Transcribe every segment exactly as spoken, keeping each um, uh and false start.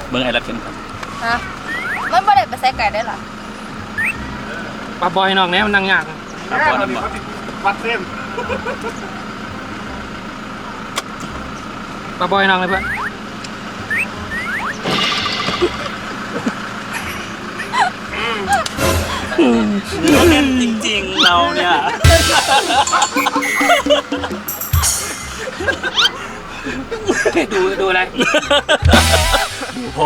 เบิ้งไอ้รัดเข็มครับฮะมันบ่ได้ไปใส่ไก่ได้หรอปลาบอยนอกเนี้ยมันนั่งยากปลาบอยนั่งยากวัดเส้นปลาบอยนอกเลยเพื่อนเล่นจริงๆเราเนี่ยดูดูอะไรดูพ่อ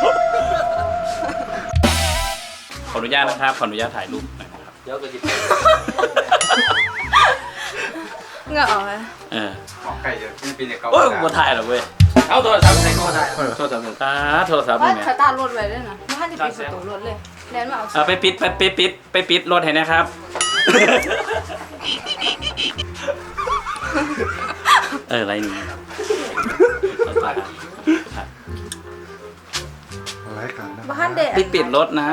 ขออนุญาตนะครับขออนุญาตถ่ายรูปหน่อยนะครับเดี๋ยวก็จะเงาออกไหมเออไก่จะเป็นเป็นเขาโอ้ยกูถ่ายหรอเว้ยเอาโทรศัพท์ใส่ก็ได้โทรศัพท์ตาโทรศัพท์ว่านี่สตาร์ทรถไว้ด้วยนะว่าจะปิดประตูรถเลยแล้วมาเอาเอาไปปิดไปไปปิดไปปิดรถให้นะครับเอออะไรนี่อะไรกันนะบ้านเด็กปิดปิดรถนะ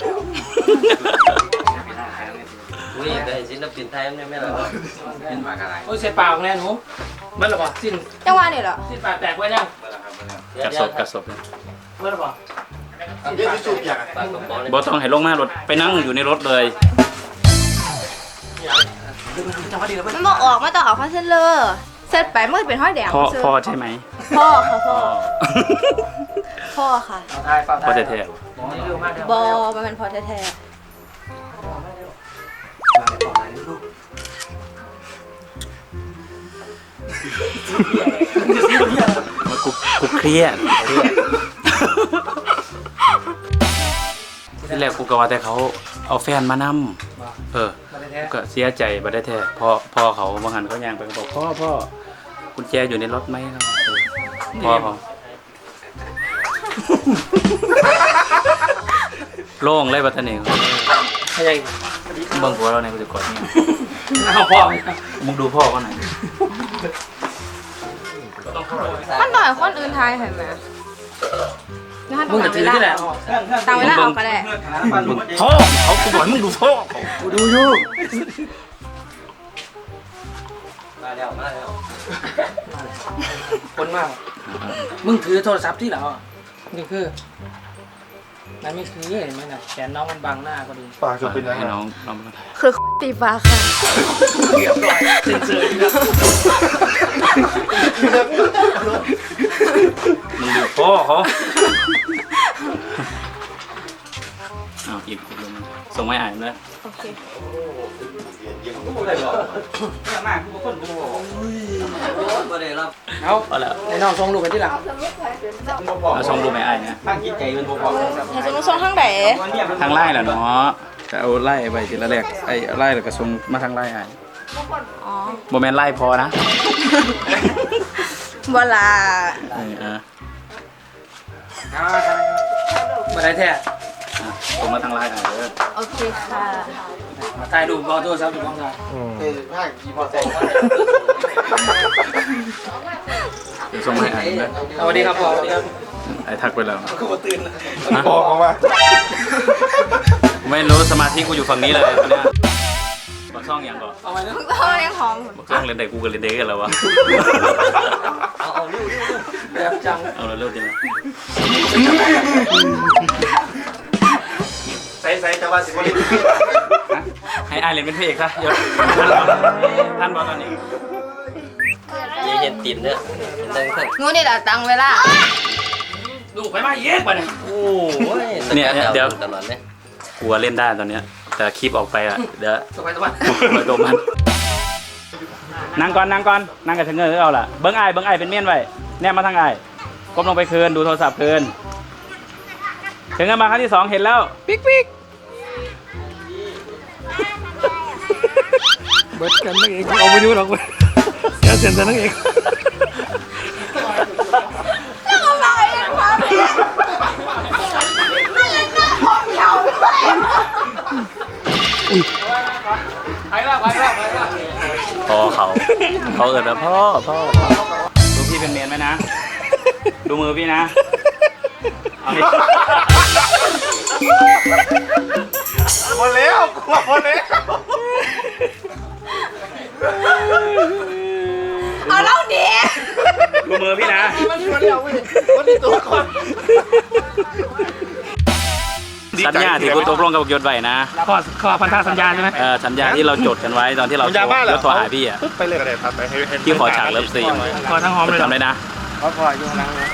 อุ้ยได้ศิลปินไทยไม่ไม่หรอเป็นมากอะไรโอ้ยเสียปากแน่หนูมันหรอปะสิ้นจังหวะนี่เหรอสิ้นปากแตกไว้ยังกระสบกระสบเลยมันหรอปะเรื่องที่สุดอยากบอต้องให้ลงมารถไปนั่งอยู่ในรถเลยมันบอกออกมาต้องออกคอนเซนเลอร์เสร็จไปเมื่อเป็นห้อยแดงพ่อพ่อใช่ไหมพ่อค่ะพ่อพ่อค่ะพ่อแท้ๆบอมันเป็นพ่อแท้ๆกูกูเครียดที่แรกกูก็ว่าแต่เขาเอาแฟนมานำเออก็เสียใจบัดได้แท้พ่อพ่อเขาบางหันเขาย่างไปบอกพ่อพ่อกุญแจอยู่ในรถไหมครับพ่อเขาโล่งเลยบัดนี้ใช่เบิ่งหัวเราในกูจะกดเนี่ยเอาพ่อมึงดูพ่อเขาหน่อยมันหน่อยคนอื่นทายเห็นไหมมึงจะถือที่ไหนตามเวลาออกก็ได้พ่อเขากูบอกมึงดูพ่อกูดูอยู่มาแล้วมาแล้วคนมากมึงถือโทรศัพท์ที่เหรอนี่คือนั่นไม่คือเห็นไหมนะแขนน้องมันบังหน้าก็ดีปากจะเป็นยังไงให้น้องน้องคือตีฟ้าค่ะเซ็นเซอร์มึงดูพ่อเขาอ้าวอีกอีกลงส่งไม่อ่านเลยโอเคเอาเอาแล้วไอ้น้องส่งรูปไปที่หลังเอาส่งรูปไม่อ่านนะตั้งจิตใจมันพอให้ส่งส่งทางไหนทางไล่เหรอเนาะจะเอาไล่ไปทีละแรกไอ้ไล่แล้วก็ส่งมาทางไล่อ่านอ๋อโมเมนต์ไล่พอนะเวลาเออเออมาได้แท้ส่งมาทางไล่อ่านเลยโอเคค่ะถ่ายรูปบอลโทรศัพท์ถูกต้องถ่ายเออห้างกี่พอใจเดี๋ยวส่งมาให้อ่านเลยสวัสดีครับพ่อสวัสดีครับไอ้ทักไปแล้วกูมาตื่นพอเขาว่าไม่รู้สมาธิกูอยู่ฝั่งนี้เลยตอนนี้บอกช่องอย่างก่อนเอาไปนะพ่อเลี้ยงหอมบอกช่องเล่นเด็กกูกับเล่นเด็กกันแล้ววะเอาเอาเร็วเร็วแบบจังเอาเร็วจริงใส่ใส่แต่ว่าสิบลิตรให้ไอเล่นเป็นพระเอกซะยศท่านบอกตอนนี้ยังเห็นตีนเนี่ยเห็นตั้งงูนี่แหละตั้งเวลาดูไปมาเย็บไปเนี่ยโอ้ยเนี่ยเดี๋ยวตลอดเลยกูเล่นได้ตอนเนี้ยแต่คลิปออกไปอ่ะเดี๋ยวสบายสบายไปตัวมันนั่งก่อนนั่งก่อนนั่งกับเชงเงอเอาล่ะเบิ้งไอเบิ้งไอเป็นเมียนไว้แนบมาทางไอก้มลงไปคืนดูโทรศัพท์คืนเชงเงอมาครั้งที่สองเห็นแล้วปิ๊กปิ๊กเบิร์ดกันนั่งเองเอาไปดูหรอกเสียเสียนแต่นั่งเองไปแล้วไปแล้วไปแล้วพ่อเขาเขาเอิญแล้วพ่อพ่อดูพี่เป็นเมียนไหมนะดูมือพี่นะเอาดิหมดแล้วกลัวหมดแล้วเอาเล่าดิดูมือพี่นะมันชวนเราเว้ยวันนี้ตัวก่อนสัญญาที่กูตกลงกับยศไว้นะข้อข้อพันธสัญญาใช่ไหมเออสัญญาที่เราจดกันไว้ตอนที่เราผมยาบ้าเหรยอศโทรหาพี่อ่ะปึ๊บไปเลยก็ได้ครับไปให้ให้ที่ขอฉากเลิฟซีนขอทั้งหอมเลยเหรอจำได้นะขอพออยู่ข้างหลังนะ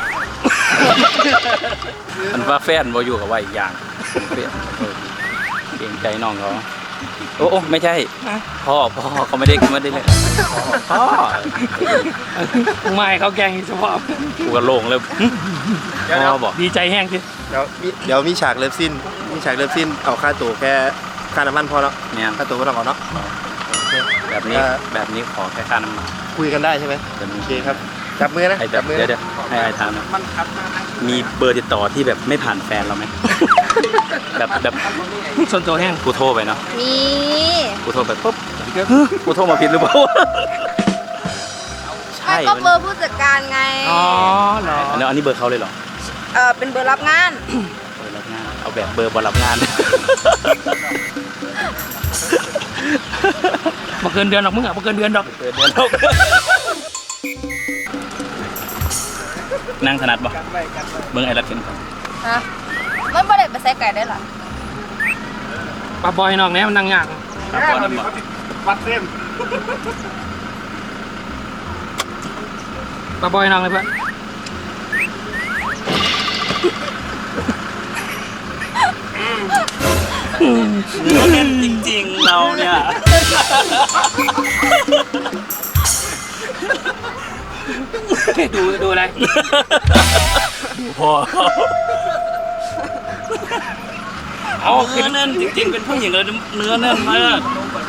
มันว่าแฟนบ่อยู่กับว่าอีกอย่างเปลี่ยนเออเกรงใจน้องเขาโอ้โอ้ไม่ใช่พ่อพ่อเขาไม่ได้ไม่ได้เลยพ่อไม่เขาแกล้งเฉพาะกูก็โล่งเลยพ่อบอกดีใจแห้งสิเดี๋ยวมีเดี๋ยวมีฉากเลิฟซินมีฉากเลิฟซินเอาค่าตั๋วแค่ค่าน้ำมันพอแล้วเนี่ยค่าตั๋วไม่ต้องเอาเนาะแบบนี้เออแบบนี้ขอแค่ค่าน้ำมันคุยกันได้ใช่ไหมเดี๋ยวโอมีเคครับจับมือนะไอ้แบจับบมือเดี๋ยวนะเดี๋ยวให้ไอ้ถามนะมีเบอร์ติดต่อที่แบบไม่ผ่านแฟนเราไหม แบบแบบส่วนตัวแห้งกูโทรไปเนาะมีกูโทรไปปุ๊บกูโทรมาผิดหรือเปล่า ใช่ไม่ก็เบอร์ผู้จัดการไงอ๋อเหรออันนี้อันนี้เบอร์เขาเลยเหรอเออเป็นเบอร์รับงานเบอร์รับงานเอาแบบเบอร์บอลรับงานมาเกินเดือนหรอกมึงอ่ะมาเกินเดือนดอกเบอร์เดือนหกนั่งถนัดปะเบิ้งไอ้รัดเป็นก่อนฮะมันไม่ได้ไปใส่ไก่ได้หรอปลาบอยน้องเนี้ยมันนั่งยากครับบอลรับวัดเส้นปลาบอยน้องเลยเพื่อนเล่นจริงๆเราเนี่ยดูดูอะไรพอเอาเนื้อแน่นจริงๆเป็นผู้หญิงเลยเนื้อแน่นมาก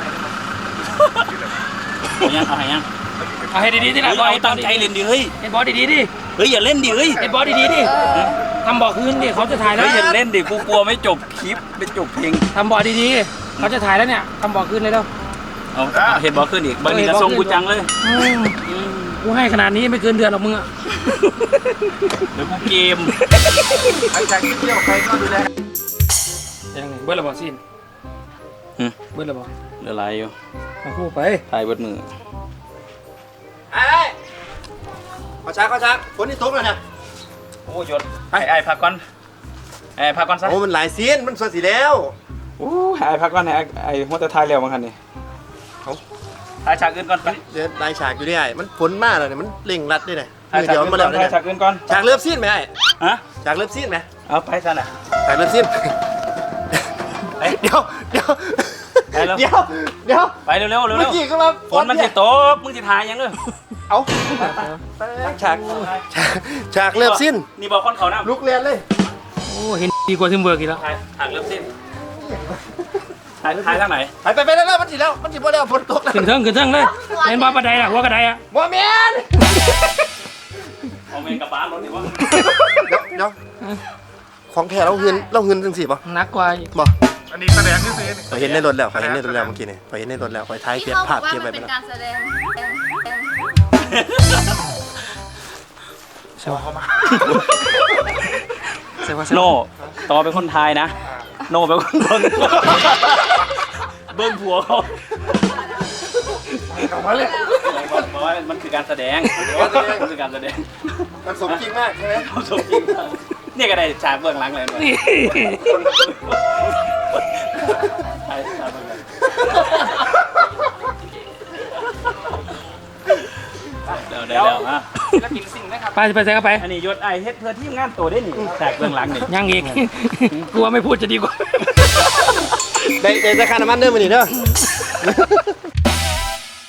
เอายังเอาให้ยังเอาให้ดีๆที่ไหนเฮ้ยบอยเอาตั้งใจเล่นดิเฮ้ยไอ้บอสดีๆดิเฮ้ยอย่าเล่นดิเฮ้ยไอ้บอสดีๆดิทำบอกคืนดิเขาจะถ่ายแล้เฮ้วยอย่าเล่นดิกูกลัวไม่จบคลิปไม่จบเพลงทำบอกดีๆเขาจะถ่ายแล้วเนี่ยทำบอกคืนเลยแล้วเอาเอาเห็นบอลขึ้นอีกบางทีกระทรงกูจังเลยกูให้ขนาดนี้ไม่เกินเดือนหรอกมึงอ่ะเดี๋ยวกูเกมใครใครเที่ยวใครก็ดูแลยังไงเบิร์ดระบอกสิ้นหึเบิร์ดระบอกเหลืออะไรอยู่มาคู่ไปถ่ายเบิดมือไอ้ขอช้าขอช้าฝนนี่ตกแล้วเนี่ยโอ้ยศไอ้ไอ้พักก่อนไอ้พักก่อนซะโอ้มันหลายซีนมันสวยสีแล้วโอ้ไอ้พักก่อนไอ้ไอ้หัวแต่ถ่ายแล้วมั้งคันนี่เอาถ่ายฉากอื่นก่อนไปเดี๋ยวลายฉากอยู่ได้ไอ้มันฝนมากเลยเนี่ยมันเร่งรัดด้วยเนี่ยถ่ายเดี๋ฉากยวอื่นมาก่แล้อวน เนี่ยถ่ายฉากอื่นก่อนฉากเลิฟซีนไหมไอ้ฮะฉากเลิฟซีนไหมเอาไปซะน่ะฉากเลิฟซีนเอ้ยเดี๋ยวเดี๋ยวไปแล้วเดี๋ยวเดี๋ยวไปเร็วๆเร็วเมื่อเร็วกี้ก็มาฝนมันสิตกมึงสิถ่ายยังเด้อเอาฉากฉากฉากเลิฟซีนนี่บอกคนเขานะลุกเรียนเลยโอ้เห็นดีกว่าทิมเบิร์กอีกแล้วถ่ายฉากเริ่มสิ้นถ่ายถ่ายทางไหนไปไปไปแล้วมันสิแล้วมันสิบ่แล้วฝนตกแล้วขึ้นเทิงขึ้นเทิงเลยเห็นบ้าประไดล่ะหัวกระไดอ่ะบ่แม่นเอาเมนกับบ้านรถดิวะเดี๋ยวเดี๋ยวของแท้เราเฮือนเราเฮือนจังสิบ่นักกว่าอีกบ่อันนี้แสดงที่ซื้อขอยเห็นในรถแล้วขอยเห็นในรถแล้วเมื่อกี้นี่ขอยเห็นในรถแล้วขอยถ่ายเก็บภาพเก็บไว้ไปแล้วการแสดงใช่ป่ะใช่ป่ะโน่ต่อเป็นคนไทยนะ โน่เป็นคนเบิ้งเบิ้งผัวเขาเอามาเลยบอกว่ามันคือการแสดงมันคือการแสดงมันสมจริงมากใช่ไหมเขาสมจริงมากนี่ก็ได้ฉากเบื้องหลังเลยนะนี่ถ่ายฉากเบื้องหลังเดี๋ยวเดี๋ยวเดี๋ยวฮะไปไปใส่เข้าไปอันนี้ยศไอเฮ็ดเพื่อทีมงานตัวได้นี่ฉากเบื้องหลังนี่ยังอีกกลัวไม่พูดจะดีกว่าได้ได้ราคาน้ำมันเด้อมื้อนี้เด้อ